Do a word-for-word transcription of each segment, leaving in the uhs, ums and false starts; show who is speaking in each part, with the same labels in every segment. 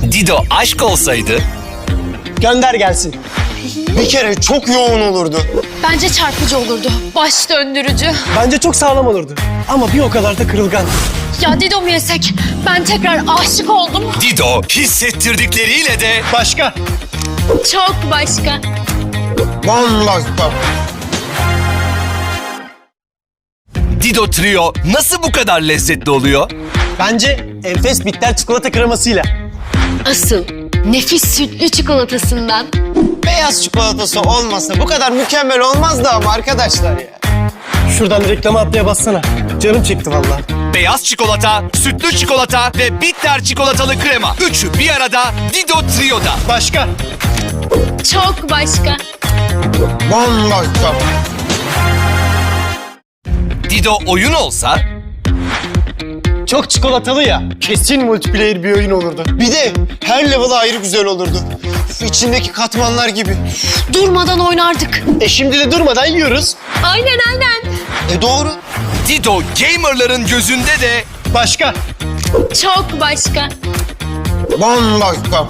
Speaker 1: Dido aşk olsaydı
Speaker 2: Gönder gelsin.
Speaker 3: Bir kere çok yoğun olurdu.
Speaker 4: Bence çarpıcı olurdu. Baş döndürücü.
Speaker 2: Bence çok sağlam olurdu. Ama bir o kadar da kırılgan.
Speaker 4: Ya Dido mu yesek? Ben tekrar aşık oldum.
Speaker 1: Dido hissettirdikleriyle de
Speaker 2: Başka.
Speaker 4: Çok başka.
Speaker 3: Bambaşka.
Speaker 1: Dido Trio nasıl bu kadar lezzetli oluyor?
Speaker 2: Bence enfes bitter çikolata kremasıyla.
Speaker 4: Asıl nefis sütlü çikolatasından.
Speaker 3: Beyaz çikolatası olmasa bu kadar mükemmel olmazdı ama arkadaşlar ya.
Speaker 2: Şuradan reklama atlaya bassana. Canım çekti vallahi.
Speaker 1: Beyaz çikolata, sütlü çikolata ve bitter çikolatalı krema. Üçü bir arada Dido Trio'da.
Speaker 2: Başka.
Speaker 4: Çok başka.
Speaker 3: Bambaşka.
Speaker 1: Dido oyun olsa
Speaker 2: Çok çikolatalı ya. Kesin multiplayer bir oyun olurdu.
Speaker 3: Bir de her level ayrı güzel olurdu. Üf, İçindeki katmanlar gibi.
Speaker 4: Durmadan oynardık.
Speaker 2: E şimdi de durmadan yiyoruz.
Speaker 4: Aynen aynen.
Speaker 3: E doğru.
Speaker 1: Dido gamerların gözünde de
Speaker 2: Başka.
Speaker 4: Çok başka.
Speaker 3: Bambaşka.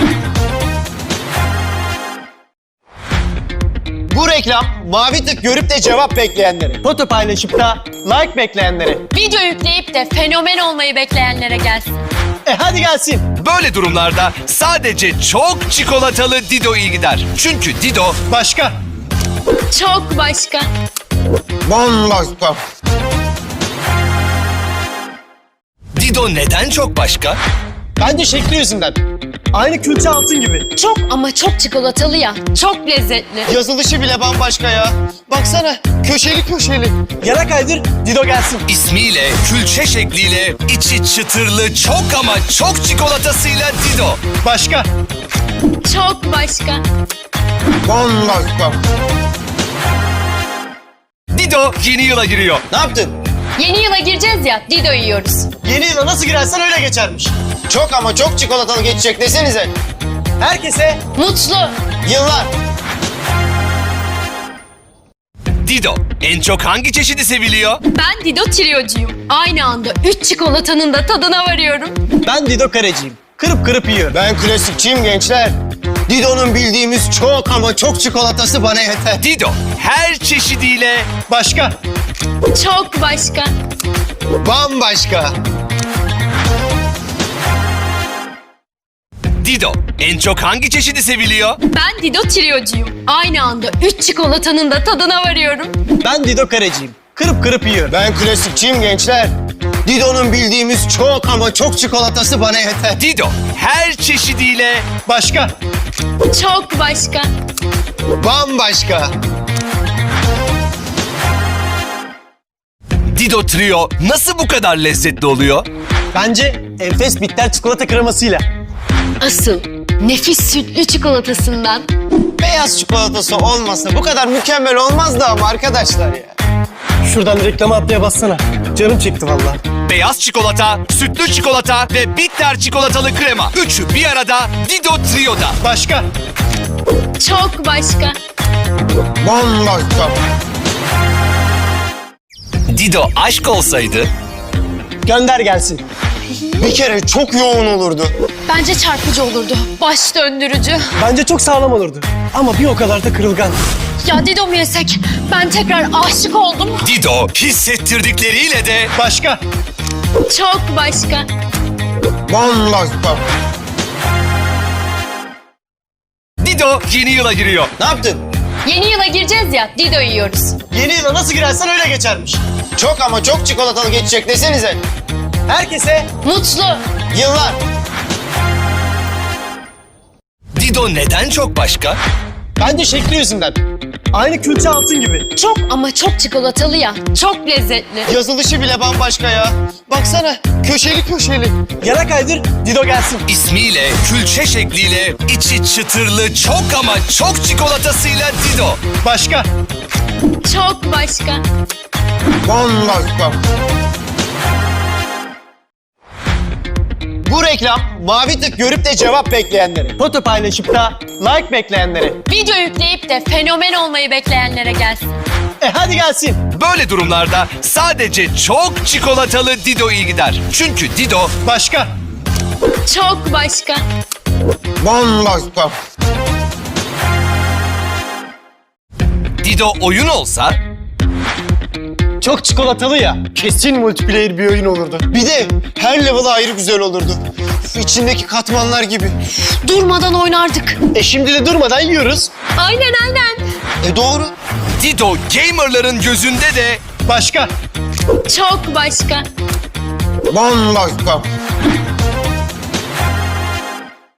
Speaker 3: Bu reklam mavi tık görüp de cevap bekleyenlere.
Speaker 2: Foto paylaşıp da like bekleyenlere.
Speaker 4: Video yükleyip de fenomen olmayı bekleyenlere gelsin.
Speaker 2: E hadi gelsin.
Speaker 1: böyle durumlarda sadece çok çikolatalı Dido iyi gider. Çünkü Dido
Speaker 2: Başka.
Speaker 4: Çok başka.
Speaker 3: Bambaşka.
Speaker 1: Dido neden çok başka?
Speaker 2: Bence şekli yüzünden. Aynı külçe altın gibi.
Speaker 4: Çok ama çok çikolatalı ya. Çok lezzetli.
Speaker 3: Yazılışı bile bambaşka ya. Baksana köşeli köşeli.
Speaker 2: Yana kaydır, Dido gelsin.
Speaker 1: İsmiyle, külçe şekliyle, içi çıtırlı çok ama çok çikolatasıyla Dido.
Speaker 2: Başka.
Speaker 4: Çok başka.
Speaker 3: Bambaşka.
Speaker 1: Dido yeni yıla giriyor.
Speaker 3: Ne yaptın?
Speaker 4: Yeni yıla gireceğiz ya. Dido yiyoruz.
Speaker 2: Yeni yıla nasıl girersen öyle geçermiş.
Speaker 3: Çok ama çok çikolatalı geçecek desenize.
Speaker 2: Herkese
Speaker 4: Mutlu.
Speaker 3: Yıllar.
Speaker 1: Dido en çok hangi çeşidi seviliyor?
Speaker 4: Ben Dido Trio'cuyum. Aynı anda üç çikolatanın da tadına varıyorum.
Speaker 2: ben Dido kareciyim. Kırıp kırıp yiyorum.
Speaker 3: Ben klasikçiyim gençler. Dido'nun bildiğimiz çok ama çok çikolatası bana yeter.
Speaker 1: Dido her çeşidiyle
Speaker 2: Başka.
Speaker 4: Çok başka.
Speaker 3: Bambaşka.
Speaker 1: Dido en çok hangi çeşidi seviliyor?
Speaker 4: Ben Dido Trio'cuyum. Aynı anda üç çikolatanın da tadına varıyorum.
Speaker 2: ben Dido kareciyim. Kırıp kırıp yiyorum.
Speaker 3: Ben klasikçiyim gençler. Dido'nun bildiğimiz çok ama çok çikolatası bana yeter.
Speaker 1: Dido her çeşidiyle
Speaker 2: Başka.
Speaker 4: Çok başka.
Speaker 3: Bambaşka.
Speaker 1: Dido Trio nasıl bu kadar lezzetli oluyor?
Speaker 2: Bence enfes bitter çikolata kremasıyla.
Speaker 4: Asıl nefis sütlü çikolatasından.
Speaker 3: Beyaz çikolatası olmasa bu kadar mükemmel olmazdı ama arkadaşlar ya.
Speaker 2: Şuradan reklama atlaya bassana. Canım çekti vallahi.
Speaker 1: Beyaz çikolata, sütlü çikolata ve bitter çikolatalı krema. Üçü bir arada Dido Trio'da.
Speaker 2: Başka.
Speaker 4: Çok başka.
Speaker 3: Bambaşka.
Speaker 1: Dido aşk olsaydı
Speaker 2: Gönder gelsin.
Speaker 3: Bir kere çok yoğun olurdu.
Speaker 4: Bence çarpıcı olurdu. Baş döndürücü.
Speaker 2: Bence çok sağlam olurdu. Ama bir o kadar da kırılgan.
Speaker 4: Ya Dido mu yesek? Ben tekrar aşık oldum.
Speaker 1: Dido hissettirdikleriyle de
Speaker 2: Başka.
Speaker 4: Çok başka.
Speaker 3: Bambaşka.
Speaker 1: Dido yeni yıla giriyor.
Speaker 3: Ne yaptın?
Speaker 4: Yeni yıla gireceğiz ya. Dido yiyoruz.
Speaker 2: Yeni yıla nasıl girersen öyle geçermiş.
Speaker 3: Çok ama çok çikolatalı geçecek desenize.
Speaker 2: Herkese
Speaker 4: Mutlu.
Speaker 3: Yıllar.
Speaker 1: Dido neden çok başka?
Speaker 2: bence şekli yüzünden. Aynı külçe altın gibi.
Speaker 4: Çok ama çok çikolatalı ya. Çok lezzetli.
Speaker 3: Yazılışı bile bambaşka ya. Baksana köşeli köşeli.
Speaker 2: Yana kaydır, Dido gelsin.
Speaker 1: İsmiyle, külçe şekliyle, içi çıtırlı çok ama çok çikolatasıyla Dido.
Speaker 2: Başka.
Speaker 4: Çok başka.
Speaker 3: Bambaşka. Bu reklam mavi tık görüp de cevap bekleyenlere.
Speaker 2: Foto paylaşıp da like bekleyenlere.
Speaker 4: Video yükleyip de fenomen olmayı bekleyenlere gelsin.
Speaker 2: E hadi gelsin.
Speaker 1: Böyle durumlarda sadece çok çikolatalı Dido iyi gider. Çünkü Dido
Speaker 2: Başka.
Speaker 4: Çok başka.
Speaker 3: Bambaşka.
Speaker 1: Dido oyun olsa
Speaker 2: Çok çikolatalı ya. Kesin multiplayer bir oyun olurdu.
Speaker 3: Bir de her level ayrı güzel olurdu. İçindeki katmanlar gibi.
Speaker 4: Durmadan oynardık.
Speaker 2: E şimdi de durmadan yiyoruz.
Speaker 4: Aynen aynen.
Speaker 3: E doğru.
Speaker 1: Dido gamerların gözünde de
Speaker 2: Başka.
Speaker 4: Çok başka.
Speaker 3: Bambaşka.